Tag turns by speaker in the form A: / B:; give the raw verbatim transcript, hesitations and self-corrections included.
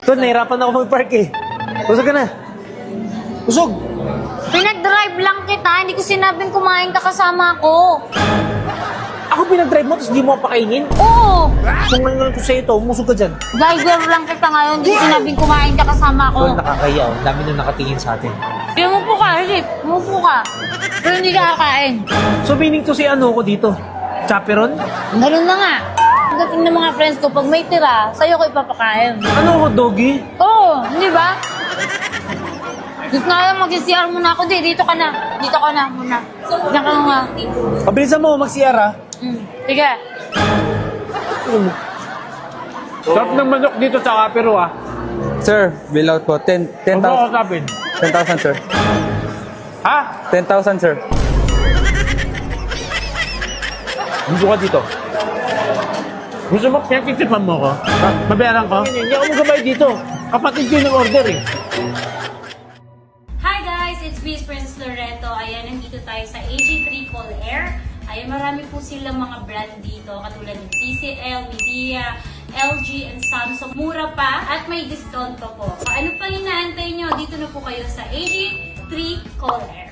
A: Ito, nahirapan ako mag-park eh. Busog ka na. Busog!
B: Pinag-drive lang kita, hindi ko sinabing kumain ka kasama ko.
A: Ako pinag-drive mo, tapos di mo pakainin?
B: Oo,
A: Kung ngayon ko sa'yo ito, umusog ka dyan.
B: driver lang kita ngayon, hindi ko sinabing kumain ka kasama ko.
A: Tol, nakakaya oh. Ang dami na nakatingin sa atin.
B: Kaya umupo ka, Rick, umupo ka. Pero hindi ka kakain.
A: So, meaning to si ano ko dito? Chaperon?
B: Ganun na nga. Pagdating ng mga friends ko, pag may tira, sa'yo ko ipapakain.
A: Ano ko, doggy?
B: Oo, hindi ba? Dito na lang, mag-C R muna ako. Di, dito ka na. Dito ka na muna. Diyan ka nga.
A: Pabilisan mo, mag-C R ha?
B: Mm. Sige.
A: Sarap ng manok dito sa Kapero ah.
C: Sir, bill out po. ten
A: Huwag mo
C: thousand.
A: kasapin.
C: ten thousand, sir.
A: Ha?
C: ten thousand, sir.
A: Gusto ka dito. Gusto mo, pinagtitipan mo ko? Ha? Mabayaran ko? Hindi ako magabay dito. Kapatid ko yung nag-order eh.
D: Hi guys! It's Miss Princess Loreto. Ayan, nandito tayo sa A G three Call Air. Ayan, marami po silang mga brand dito, katulad ng T C L, Midea, L G, and Samsung. Mura pa at may discount pa po. So ano pang inaantay nyo? Dito na po kayo sa A G three Call Air.